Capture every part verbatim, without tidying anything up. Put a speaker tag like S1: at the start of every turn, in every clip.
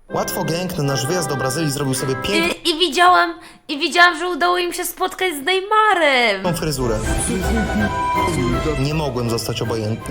S1: Łatwo Gang na nasz wyjazd do Brazylii zrobił sobie piękną
S2: I, i widziałam, i widziałam, że udało im się spotkać z Neymarem.
S1: fryzurę. Nie mogłem zostać obojętny.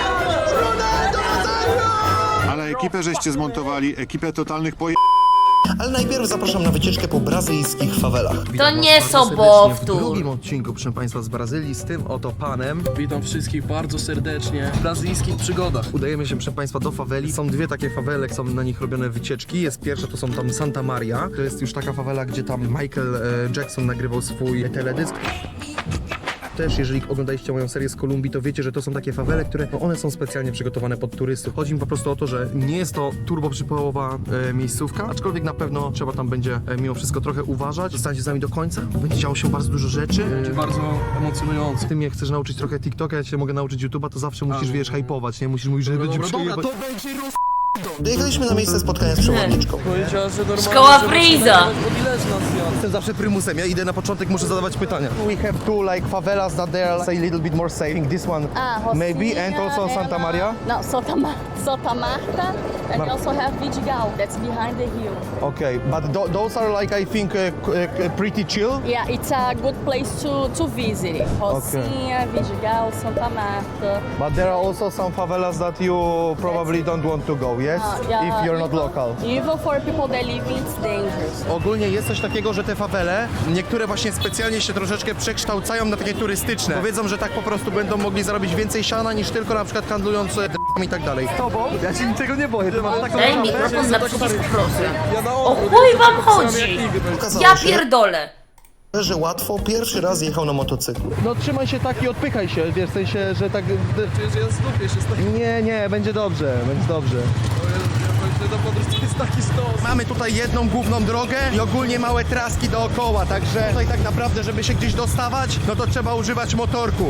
S3: Ale ekipę żeście zmontowali, ekipę totalnych poje...
S1: Ale najpierw zapraszam na wycieczkę po brazylijskich fawelach.
S2: To nie
S4: W
S2: sobowtór.
S4: drugim odcinku, proszę Państwa, z Brazylii z tym oto panem.
S5: Witam wszystkich bardzo serdecznie w brazylijskich przygodach.
S4: Udajemy się, proszę Państwa, do faweli. Są dwie takie fawele, są na nich robione wycieczki. Jest pierwsza, to są tam Santa Maria. To jest już taka fawela, gdzie tam Michael e, Jackson nagrywał swój teledysk. Też, jeżeli oglądaliście moją serię z Kolumbii, to wiecie, że to są takie fawele, które no one są specjalnie przygotowane pod turystów. Chodzi mi po prostu o to, że nie jest to turbo przypałowa e, miejscówka, aczkolwiek na pewno trzeba tam będzie e, mimo wszystko trochę uważać. Zostańcie z nami do końca, będzie działo się bardzo dużo rzeczy. E,
S5: Bardzo emocjonujące.
S4: Ty mnie chcesz nauczyć trochę TikToka, ja cię mogę nauczyć YouTube'a, to zawsze musisz, wiesz, hypować, nie? Musisz mówić, że będzie
S5: dobra, dobra,
S4: przejebać.
S5: to będzie roz...
S1: Dojechaliśmy na miejsce spotkania z przewodniczką.
S5: Powiedziała, że normalnie...
S2: Szkoła
S5: że
S2: Freeza.
S5: od ileż nas ja?
S4: Jestem zawsze prymusem, ja idę na początek, muszę zadawać pytania. We have two like favelas that they are say a little bit more safe. I think this one
S6: Ah, Rocinha,
S4: maybe and also Santa
S6: ela-
S4: Maria.
S6: No, Santa, Ma Santa Marta, and
S4: Mar-
S6: you also have Vidigal, that's behind the hill.
S4: Okay, but th those are like I think uh, uh, pretty chill.
S6: Yeah, it's a good place to, to visit. Rocinha, Vidigal, Santa Marta.
S4: But there are also some favelas that you probably don't want to go, yes?
S6: Uh, yeah,
S4: If you're not
S6: even-
S4: local.
S6: Even for people that live, it's dangerous.
S4: Ogólnie jest coś takiego, że te fawele, niektóre właśnie specjalnie się troszeczkę przekształcają na takie turystyczne. Powiedzą, że tak po prostu będą mogli zarobić więcej siana niż tylko na przykład handlując e, d***ami i tak dalej. Z tobą? Ja się niczego nie boję, ty masz taką
S2: Daj
S4: czapę.
S2: mikrofon na przycisk, proszę.
S5: Ja na
S2: O
S5: odwrót,
S2: chuj
S5: ja
S2: wam
S5: tylko pisałem,
S2: chodzi?
S5: jak nigdy będzie.
S1: Okazało
S2: Ja
S1: się,
S2: pierdolę.
S1: że Łatwo pierwszy raz jechał na motocyklu.
S4: No trzymaj się tak i odpychaj się, wiesz, w sensie, że tak...
S5: Przecież ja zgubię się z takim...
S4: Nie, nie, będzie dobrze, będzie dobrze.
S5: Ja na podróż to jest taki stos.
S4: Mamy tutaj jedną główną drogę i ogólnie małe traski dookoła, także tutaj tak naprawdę, żeby się gdzieś dostawać, no to trzeba używać motorku.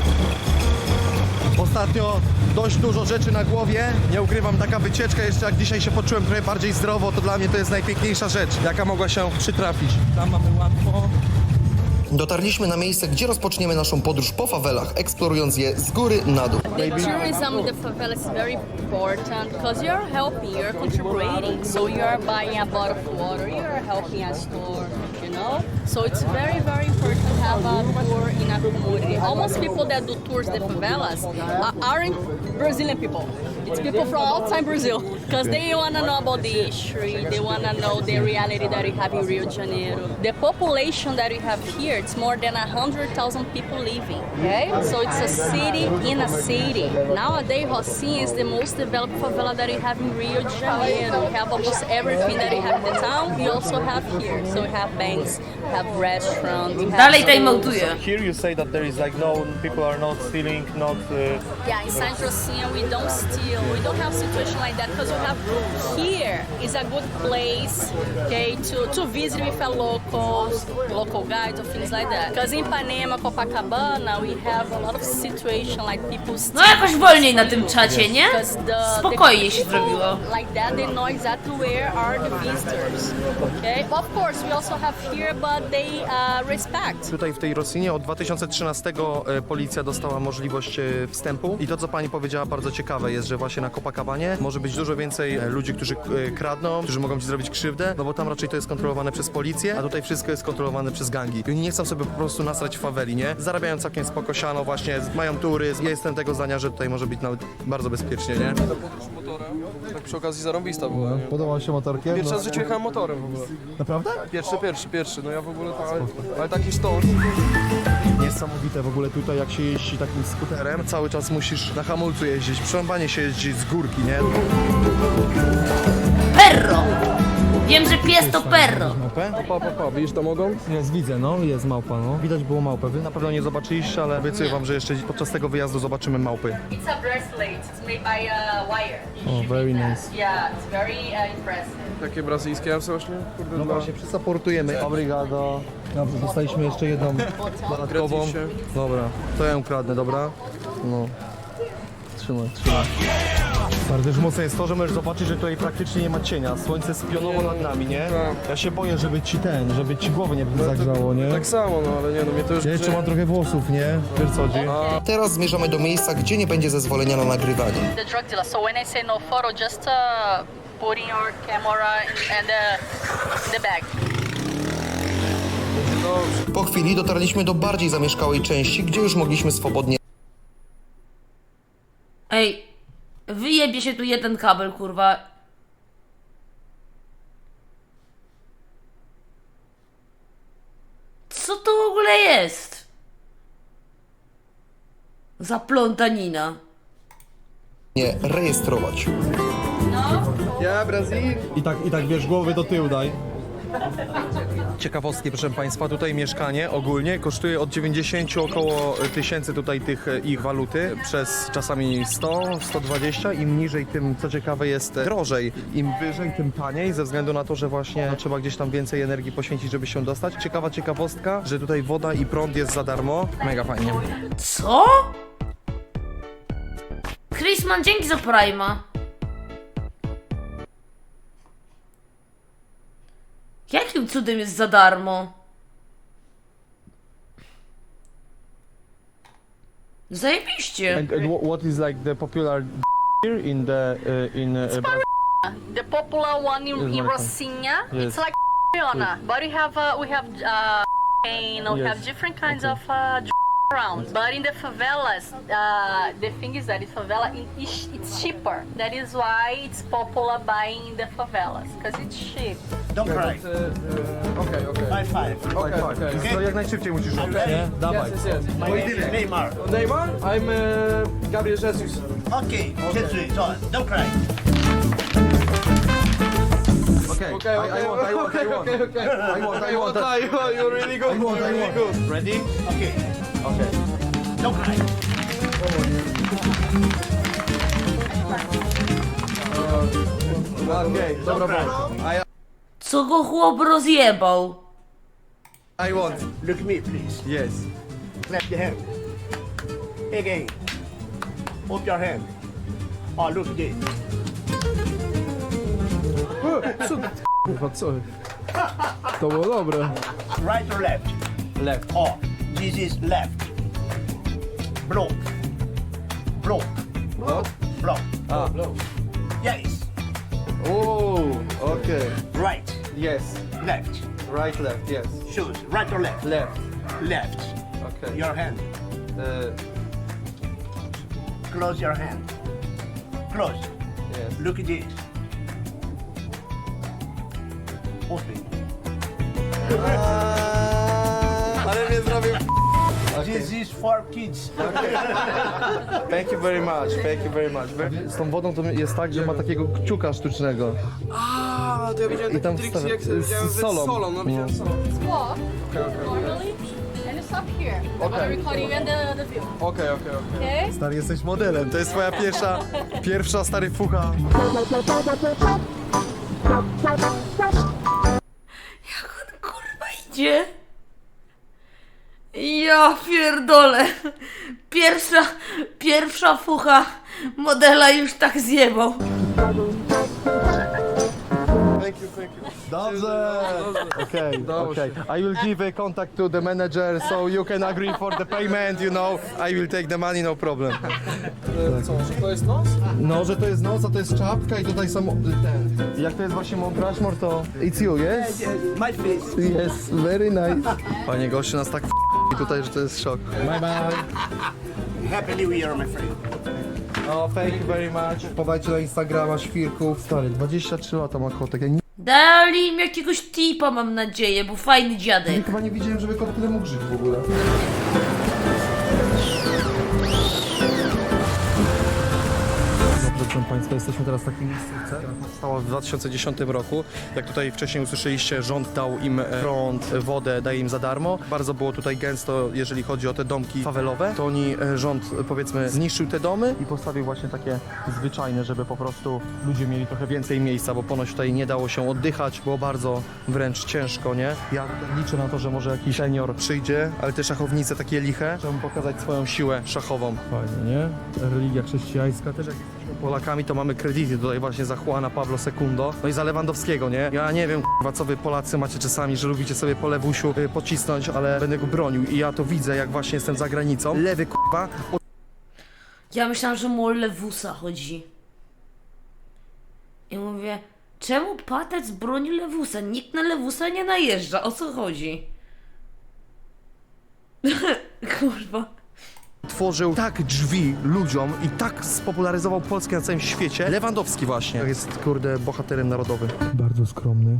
S4: Ostatnio dość dużo rzeczy na głowie, nie ukrywam, taka wycieczka, jeszcze jak dzisiaj się poczułem trochę bardziej zdrowo, to dla mnie to jest najpiękniejsza rzecz, jaka mogła się przytrafić.
S5: Tam mamy łatwo.
S1: Dotarliśmy na miejsce, gdzie rozpoczniemy naszą podróż po fawelach, eksplorując je z góry na dół.
S6: The tourism in the favela is very important because you're helping, you're contributing. So you're buying a bottle of water, you're helping a store, you know? So it's very, very important to have a tour in a community. Almost people that do tours in the favelas are- aren't Brazilian people. It's people from outside Brazil because they want to know about the history, they want to know the reality that we have in Rio de Janeiro. The population that we have here, it's more than one hundred thousand people living, okay? So it's a city in a city. Nowadays, Rocinha is the most developed favela that we have in Rio de Janeiro. We have almost everything that we have in the town, we also have here. So we have banks, we have restaurants, we have
S2: Dalej
S6: schools.
S2: timeoutuje.
S7: Here you say that there is like no, people are not stealing, not... Uh,
S6: Yeah, inside Rocinha we don't steal, we don't have situation like that because we have here is a good place, okay, to, to visit with a locals, local guides or things like that. Because in Ipanema, Copacabana, we have a lot of situation like people steal.
S2: No jakoś wolniej na tym czacie, nie?
S6: 'Cause the-
S2: Spokojnie
S6: the
S2: się
S6: people
S2: zrobiło.
S6: Like that, they know exactly where are the visitors, okay? Of course, we also have here, but they uh, respect.
S4: Tutaj w tej Rosinie od dwa tysiące trzynastego e, policja dostała możliwość e, wstępu i to, co pani powiedziała, bardzo ciekawe jest, że właśnie na Copacabanie może być dużo więcej e, ludzi, którzy e, kradną, którzy mogą ci zrobić krzywdę, no bo tam raczej to jest kontrolowane przez policję, a tutaj wszystko jest kontrolowane przez gangi. I oni nie chcą sobie po prostu nasrać w faweli, nie? Zarabiają całkiem spoko siano, właśnie mają turyzm. Ja jestem tego zdania, że tutaj może być nawet bardzo bezpiecznie, nie?
S5: Ta podróż motorem, tak przy okazji zarąbista była.
S4: Podoba się motorkiem?
S5: Pierwszy raz w życiu jechałem motorem w ogóle.
S4: Naprawdę?
S5: Pierwszy, pierwszy, pierwszy. No ja w ogóle to, ale, ale taki sztos.
S4: Niesamowite w ogóle tutaj, jak się jeździ takim skuterem. Cały czas musisz na hamulcu jeździć, przerąbanie się jeździ z górki, nie?
S2: Perro! Wiem, że pies to perro.
S4: Małpę?
S5: Pa, pa, pa, widzisz to mogą?
S4: Jest, widzę, no, jest małpa, no. Widać było małpę. Wy na pewno nie zobaczyliście, ale obiecuję wam, że jeszcze podczas tego wyjazdu zobaczymy małpy.
S6: It's a bracelet. It's made by uh, wire.
S4: Oh, very nice.
S6: Yeah, it's very uh, impressive.
S5: Takie brazylijskie, ja sobie właśnie, kurde,
S4: No
S5: dwa.
S4: właśnie, przysupportujemy. Obrigado. Dobrze, dostaliśmy jeszcze jedną dodatkową.
S5: Gracisie.
S4: Dobra, to ja ją kradnę, dobra? No. Trzymaj, trzymaj. Bardzo już mocne jest to, że możesz zobaczyć, że tutaj praktycznie nie ma cienia. Słońce jest pionowo nad nami, nie?
S5: Tak.
S4: Ja się boję, żeby ci ten, żeby ci głowy nie zagrzało, nie?
S5: Tak samo, no ale nie, no mnie to już...
S4: Ja jeszcze mam trochę włosów, nie? Wiesz co chodzi?
S1: Teraz zmierzamy do miejsca, gdzie nie będzie zezwolenia na nagrywanie.
S6: The drug dealer. So when I say no photo, just uh, putting your camera in, in the in the bag.
S1: Po chwili dotarliśmy do bardziej zamieszkałej części, gdzie już mogliśmy swobodnie
S2: Ej, wyjebie się tu jeden kabel, kurwa. Co to w ogóle jest? Za plątanina.
S1: rejestrować.
S5: Ja, Brazil.
S7: I tak, i tak wiesz, głowy do tyłu daj.
S4: Ciekawostki, proszę Państwa, tutaj mieszkanie ogólnie kosztuje od dziewięćdziesięciu około tysięcy tutaj tych e, ich waluty, przez czasami sto, sto dwadzieścia. Im niżej, tym co ciekawe jest e, drożej. Im wyżej, tym taniej, ze względu na to, że właśnie trzeba gdzieś tam więcej energii poświęcić, żeby się dostać. Ciekawa ciekawostka, że tutaj woda i prąd jest za darmo. Mega fajnie.
S2: Co? Chrisman, dzięki za Prime'a. Jakim cudem jest za darmo? Zajebiście.
S7: And, and wha- what is like the popular here in the uh, in uh,
S6: The popular one in, in Rocinha,
S7: Yes.
S6: it's like Fiona, but we have uh, we have uh, and we
S7: Yes.
S6: have different kinds of uh, around. But in the favelas, uh, the thing is that in favela it, it's, it's cheaper. That is why it's popular buying in the favelas because it's cheap.
S8: Don't cry.
S5: Okej, okej.
S8: High five.
S5: Okej, okej.
S4: No jak najszybciej musisz robić, nie? Dawaj.
S5: Yes, yes, yes.
S8: My name is Neymar.
S5: Neymar? I'm uh, Gabriel Jesus.
S8: Okay, Jesus, so don't cry.
S4: Okay,
S5: Okay,
S4: I, I want, I want, I want.
S5: okay, okay.
S4: I want, I want.
S5: I want, you're really good.
S4: I want,
S5: you're
S4: I
S5: really
S4: want.
S5: good.
S4: Ready?
S8: Okay,
S4: Okay.
S8: don't cry.
S5: Okay,
S4: Dobra, bro.
S2: Co go chłop rozjebał?
S4: I want.
S8: Look at me, please.
S4: Yes.
S8: Clap your hand. Again. Open your hand. Oh, look at this.
S5: Co? Kurwa, co? To było dobre.
S8: Right or left?
S5: Left.
S8: Oh, this is left. Blow. Blow.
S5: What?
S8: Blow.
S5: Ah, blow.
S8: Yes.
S4: Oh, okay.
S8: Right.
S4: Yes.
S8: Left.
S4: Right, left, yes.
S8: Choose. Right or left?
S4: Left.
S8: Left.
S4: Okay.
S8: Your hand.
S4: Uh,
S8: Close your hand. Close.
S4: yes.
S8: Look at this. Open.
S4: Ale mnie zrobił.
S8: This is for kids.
S4: Thank you very much, thank you very much. Z tą wodą to jest tak, że ma takiego kciuka sztucznego.
S5: A, to ja widziałem
S4: I tam
S5: takie triki,
S4: wstawia-
S5: jak
S4: z
S5: widziałem z
S4: solą.
S5: solą, no widziałem z solą.
S6: Walk normally and you stop here. I'm gonna record you and the, the view.
S5: Okej, okej, okej.
S6: Okay?
S4: Stary, jesteś modelem, to jest twoja pierwsza, pierwsza stary fucha.
S2: Jak on kurwa idzie? Ja pierdolę. Pierwsza, pierwsza fucha modela już tak zjebał.
S5: Thank you, thank you.
S4: Dobrze. Okay, okay. I will give a contact to the manager so you can agree for the payment, you know. I will take the money, no problem.
S5: E, Co, że to jest nos?
S4: No, że to jest nos, a to jest czapka i tutaj są ten. Jak to jest właśnie Mount Rushmore, to it's you, yes?
S8: My face.
S4: Yes, very nice. Panie gościu nas tak f- i tutaj, że to jest szok. Bye bye.
S8: Happy New Year, my friend.
S4: Oh, thank you very much. Wpadajcie na Instagrama świrków. Stary, dwadzieścia trzy lata ma kotek. Ja nigdy
S2: Dali im jakiegoś tipa, mam nadzieję, bo fajny dziadek.
S4: chyba nie widziałem, żeby kot tyle mógł żyć w ogóle. Dobrze, proszę Państwa, jesteśmy teraz w takiej miejscówce, która powstała w dwa tysiące dziesiątym roku. Jak tutaj wcześniej usłyszeliście, rząd dał im prąd, wodę, daje im za darmo. Bardzo było tutaj gęsto, jeżeli chodzi o te domki fawelowe. To oni, e, rząd, e, powiedzmy, zniszczył te domy i postawił właśnie takie zwyczajne, żeby po prostu ludzie mieli trochę więcej miejsca, bo ponoć tutaj nie dało się oddychać, było bardzo wręcz ciężko, nie? Ja tutaj liczę na to, że może jakiś senior przyjdzie, ale te szachownice takie liche, żeby pokazać swoją siłę szachową. Fajnie, nie? Religia chrześcijańska też jak jesteśmy Polakami, to mamy kredyty tutaj właśnie za Juana Pablo segundo, no i za Lewandowskiego, nie? Ja nie wiem, k***wa, co wy Polacy macie czasami, że lubicie sobie po lewusiu y, pocisnąć, ale będę go bronił i ja to widzę, jak właśnie jestem za granicą. Lewy, k***wa,
S2: Ja myślałam, że mu o Lewusa chodzi. I mówię, czemu Patec broni Lewusa? Nikt na Lewusa nie najeżdża, o co chodzi? Kurwa.
S4: Tworzył tak drzwi ludziom i tak spopularyzował Polskę na całym świecie. Lewandowski właśnie jest, kurde, bohaterem narodowym. Bardzo skromny.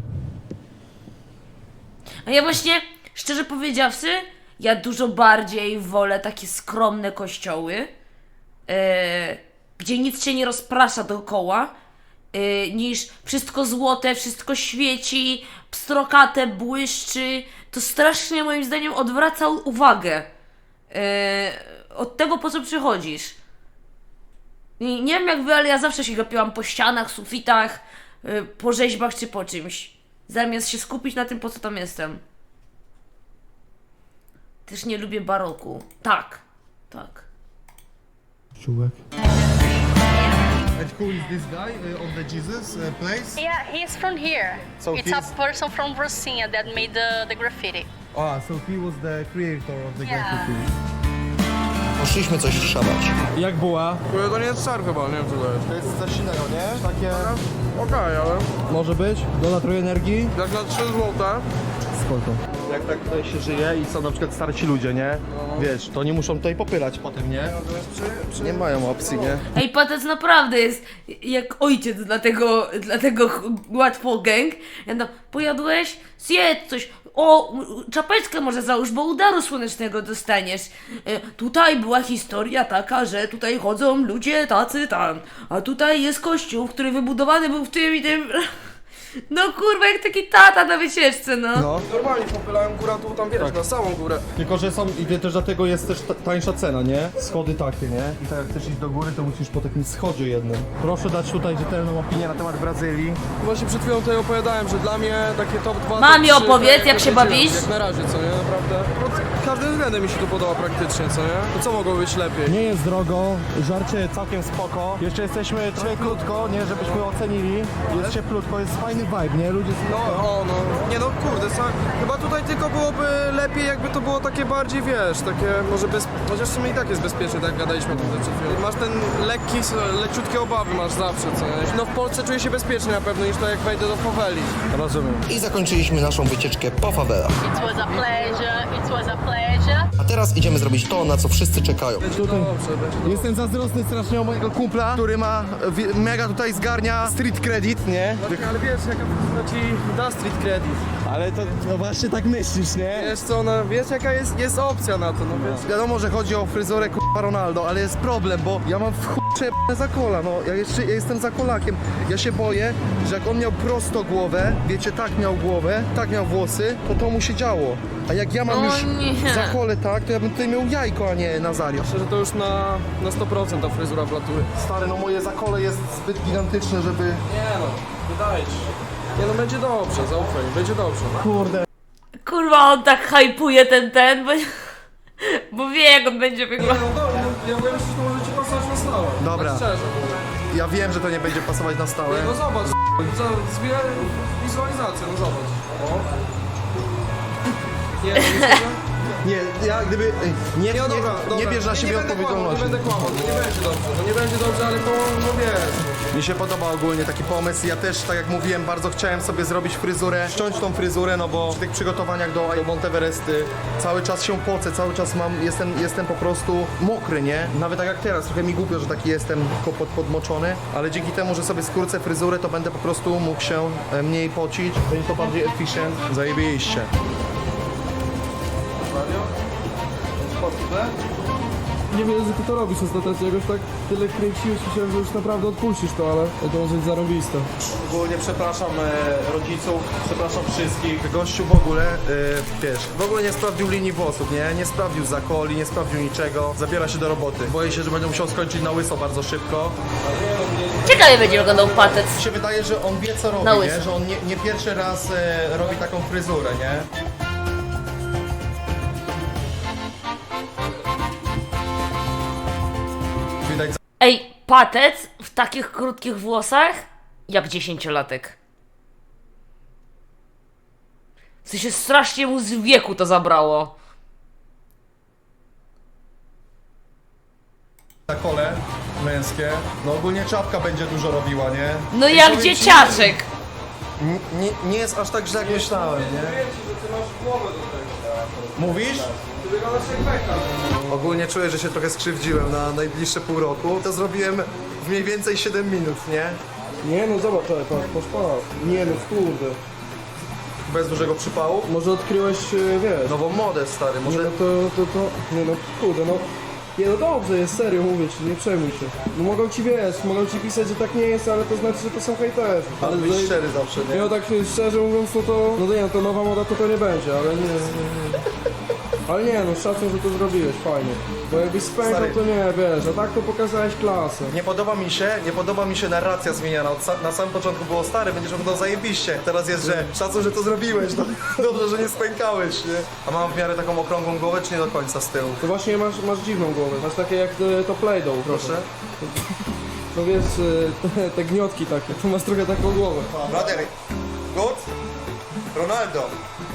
S2: A ja właśnie, szczerze powiedziawszy, ja dużo bardziej wolę takie skromne kościoły, e, gdzie nic się nie rozprasza dookoła, e, niż wszystko złote, wszystko świeci, pstrokate, błyszczy. To strasznie moim zdaniem odwraca uwagę e, od tego, po co przychodzisz. I nie wiem jak wy, ale ja zawsze się gapiłam po ścianach, sufitach, e, po rzeźbach czy po czymś, zamiast się skupić na tym, po co tam jestem. Też nie lubię baroku. Tak, tak.
S4: Czułek. And who is this guy uh, on the Jesus uh, place?
S6: Yeah, he's from here.
S4: So
S6: it's
S4: he's-
S6: a person from Rocinha that made the, the graffiti.
S4: Ah, so he was the creator of the
S6: Yeah.
S4: graffiti.
S1: Poszliśmy coś szamać.
S5: Jak była? To nie jest szar chyba, nie wiem co to jest.
S4: To jest coś innego, nie? Takie...
S5: Okej, ale
S4: Może być? Doda trochę energii?
S5: jak na trzy złote.
S4: Spoko. Jak tak tutaj się żyje i są na przykład starsi ludzie, nie? Wiesz, to nie muszą tutaj popylać potem, nie? Nie mają opcji, nie?
S2: Ej, Patec naprawdę jest jak ojciec dla tego, dla tego ch- łatwo gang. Ja tam, pojadłeś? Zjedz coś. O, czapeczkę może załóż, bo udaru słonecznego dostaniesz. E, tutaj była historia taka, że tutaj chodzą ludzie tacy tam, a tutaj jest kościół, który wybudowany był w tym i tym... No kurwa, jak taki tata na wycieczce, no.
S4: No.
S5: Normalnie popylałem górę, tu tam wiesz, na samą górę.
S4: Tylko, że są, i też dlatego jest też ta- tańsza cena, nie? Schody takie, nie? I tak jak chcesz iść do góry, to musisz po takim schodzie jednym. Proszę dać tutaj rzetelną opinię na temat Brazylii.
S5: Właśnie przed chwilą tutaj opowiadałem, że dla mnie takie top dwa,
S2: Mamie
S5: top trzy,
S2: opowiedz,
S5: to
S2: jak się
S5: wiedziałem,
S2: bawisz?
S5: Jak na razie, co nie? Naprawdę. Pod każdym względem mi się tu podoba praktycznie, co nie? To co mogło być lepiej?
S4: Nie jest drogo, żarcie całkiem spoko. Jeszcze jesteśmy trochę krótko, nie? Żebyśmy ocenili. Jest cieplutko, jest fajny vibe, nie? Ludzie są...
S5: No, o, no. Nie no, kurde, sa, chyba tutaj tylko byłoby lepiej, jakby to było takie bardziej, wiesz, takie może bez... Chociaż w sumie i tak jest bezpiecznie, tak jak gadaliśmy tutaj przed chwilą. Masz ten lekki, leciutkie obawy masz zawsze, co nie? No w Polsce czuję się bezpiecznie na pewno niż to jak wejdę do faweli.
S4: Rozumiem.
S1: I zakończyliśmy naszą wycieczkę po fawelach.
S6: It was a pleasure. It was a pleasure.
S1: A teraz idziemy zrobić to, na co wszyscy czekają.
S5: Będzie dobrze, będzie dobrze.
S4: Jestem zazdrosny strasznie o mojego kumpla, który ma wi- mega tutaj zgarnia street credit, nie?
S5: Ale wiesz, jaka to ci da street credit.
S4: Ale to no właśnie tak myślisz, nie?
S5: Wiesz co, no, wiesz jaka jest, jest opcja na to, no wiesz.
S4: Wiadomo, że chodzi o fryzurę k***a Ronaldo, ale jest problem, bo ja mam w chuj przejebane za kola, no. Ja jeszcze ja jestem za kolakiem. Ja się boję, że jak on miał prosto głowę, wiecie, tak miał głowę, tak miał włosy, to to mu się działo. A jak ja mam
S2: O
S4: już
S2: nie.
S4: za kolę tak, to ja bym tutaj miał jajko, a nie Nazario.
S5: Myślę, że to już na, na sto procent ta fryzura wlatuje.
S4: Stary, no moje zakole jest zbyt gigantyczne, żeby...
S5: Nie no, wydaje ci się. Nie no, będzie dobrze, zaufaj, będzie dobrze.
S4: Kurde.
S2: Kurwa, on tak hypuje ten, ten, bo, bo wie jak on będzie wyglądał.
S5: No dobra, no, ja wiem, że to może ci pasować na stałe.
S4: Dobra.
S5: Tak szczerze.
S4: Ja wiem, że to nie będzie pasować na stałe.
S5: No zobacz, za- zbieraj wizualizację, no zobacz. O. Nie, no myślę, że...
S4: Nie, ja gdyby... ej, Nie, nie,
S5: Nie, no dobra,
S4: nie,
S5: dobra.
S4: bierz na
S5: Nie,
S4: siebie
S5: nie będę
S4: odpowiedzialności.
S5: Kłamał, nie będę kłamał, to nie będzie dobrze, no nie będzie dobrze, ale to, no wiesz.
S4: Mi się podoba ogólnie taki pomysł. Ja też, tak jak mówiłem, bardzo chciałem sobie zrobić fryzurę, ściąć tą fryzurę, no bo w tych przygotowaniach do Monteveresty cały czas się pocę, cały czas mam, jestem, jestem po prostu mokry, nie? Nawet tak jak teraz, trochę mi głupio, że taki jestem tylko pod, podmoczony, ale dzięki temu, że sobie skrócę fryzurę, to będę po prostu mógł się e, mniej pocić, będzie to bardziej efficient, zajebiście.
S5: Nie wiem, że ty to robisz ostatecznie, jakoś tak tyle kręciłeś, myślałem, że już naprawdę odpuścisz to, ale to może być zarąbiste.
S4: Ogólnie przepraszam e, rodziców, przepraszam wszystkich. Gościu w ogóle, e, wiesz, w ogóle nie sprawdził linii włosów, nie? Nie sprawdził zakoli, nie sprawdził niczego. Zabiera się do roboty. Boję się, że będzie musiał skończyć na łyso bardzo szybko.
S2: Ciekawie będzie wyglądał Patec.
S4: Mi się wydaje, że on wie co robi,
S2: Na
S4: nie?
S2: łyso.
S4: Że on nie, nie pierwszy raz e, robi taką fryzurę, nie? Widać
S2: Ej, Patec w takich krótkich włosach jak dziesięciolatek. W sensie strasznie mu z wieku to zabrało.
S4: zakole,
S5: męskie. No ogólnie czapka będzie dużo robiła, nie?
S2: No
S5: I
S2: jak
S5: powiem ci,
S2: dzieciaczek.
S4: N- Nie, nie jest aż tak źle jak myślałem, nie?
S5: Mówię ci, że ty masz głowę do tego.
S4: Mówisz?
S5: Ty wyglądasz jak Beckham.
S4: Ogólnie czuję, że się trochę skrzywdziłem na najbliższe pół roku. To zrobiłem w mniej więcej siedem minut, nie?
S5: Nie no zobacz, ale patrz, patrz, patrz. Nie no kurde.
S4: Bez dużego przypału.
S5: Może odkryłeś, e, wiesz.
S4: Nową modę, stary,
S5: Nie
S4: może...
S5: no to, to, to, nie no kurde, no. Nie no dobrze jest, serio mówię ci, nie przejmuj się. No mogą ci, wiesz, mogą ci pisać, że tak nie jest, ale to znaczy, że to są hejterzy.
S4: Ale być
S5: tutaj-
S4: szczery zawsze,
S5: Nie
S4: nie?
S5: no tak szczerze mówiąc, no to, no to nie, no to nowa moda to to nie będzie, ale nie, nie, nie. Ale nie no, szacun, że to zrobiłeś, fajnie. Bo jakbyś spękał,
S4: Stary.
S5: to nie, wiesz, a tak to pokazałeś klasę.
S4: Nie podoba mi się, nie podoba mi się narracja zmieniana. Od sa- na samym początku było stary, będziesz wyglądał zajebiście. Teraz jest, że szacun, że to zrobiłeś, no, dobrze, że nie spękałeś, nie? A mam w miarę taką okrągłą głowę, czy nie do końca z tyłu?
S5: To właśnie masz, masz dziwną głowę, masz takie jak e, to Play-Doh,
S4: Proszę?
S5: No wiesz, e, te, te gniotki takie, to masz trochę taką głowę.
S4: Brother, good? Ronaldo.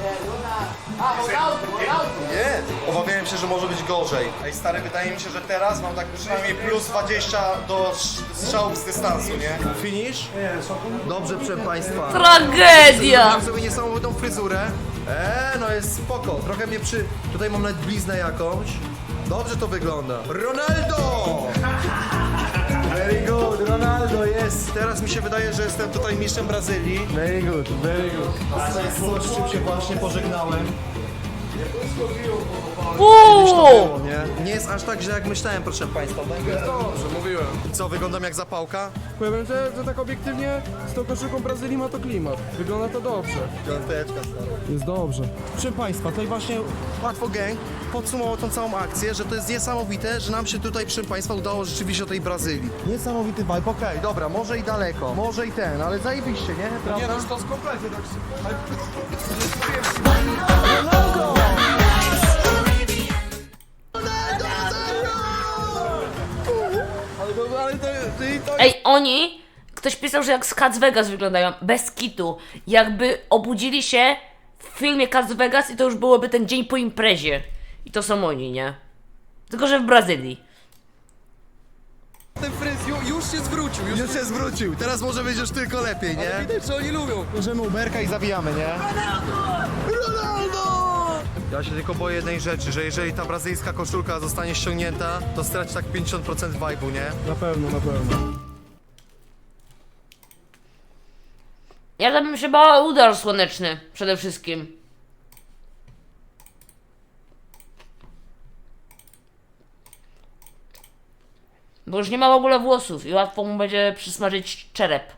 S4: Nie, obawiałem się, że może być gorzej. Ej stary, wydaje mi się, że teraz mam tak przynajmniej plus dwadzieścia do sz- strzałów z dystansu, nie? Finish? Dobrze, proszę państwa.
S2: Tragedia.
S4: Mam sobie niesamowitą fryzurę. Eee, no jest spoko. Trochę mnie przy... Tutaj mam nawet bliznę jakąś. Dobrze to wygląda. Ronaldo! Very good, Ronaldo jest. Teraz mi się wydaje, że jestem tutaj mistrzem Brazylii. Very good, very good. A to jest coś, z czym się właśnie pożegnałem.
S2: Uuu.
S4: Nie? Nie jest aż tak źle jak myślałem, proszę państwa.
S5: Dobrze, mówiłem.
S4: Co, wyglądam jak zapałka?
S5: Powiem, że, że tak obiektywnie z tą koszulką Brazylii ma to klimat. Wygląda to dobrze.
S4: Piąteczka, stary.
S5: Jest dobrze.
S4: Proszę Państwa, tutaj właśnie Łatwo Gang podsumował tą całą akcję, że to jest niesamowite, że nam się tutaj, proszę Państwa, udało rzeczywiście do tej Brazylii. Niesamowity vibe, okej, dobra, może i daleko, może i ten, ale zajebiście, nie? Prawda?
S5: Nie no, już to jest kompletnie tak Ale to, ale to, to, to
S2: Ej, oni... Ktoś pisał, że jak z Cats Vegas wyglądają. Bez kitu. Jakby obudzili się w filmie Cats Vegas i to już byłoby ten dzień po imprezie. I to są oni, nie? Tylko, że w Brazylii.
S5: ten fryz ju- już się zwrócił, już
S4: Już się zwrócił, teraz może być już tylko lepiej, nie?
S5: widać, że oni lubią.
S4: Bierzemy Uberka i zabijamy, nie? Ronaldo! Ja się tylko boję jednej rzeczy, że jeżeli ta brazylijska koszulka zostanie ściągnięta, to straci tak pięćdziesiąt procent vibe'u, nie?
S5: Na pewno, na pewno.
S2: Ja tam bym się bała udar słoneczny. Przede wszystkim. Bo już nie ma w ogóle włosów i łatwo mu będzie przysmażyć czerep.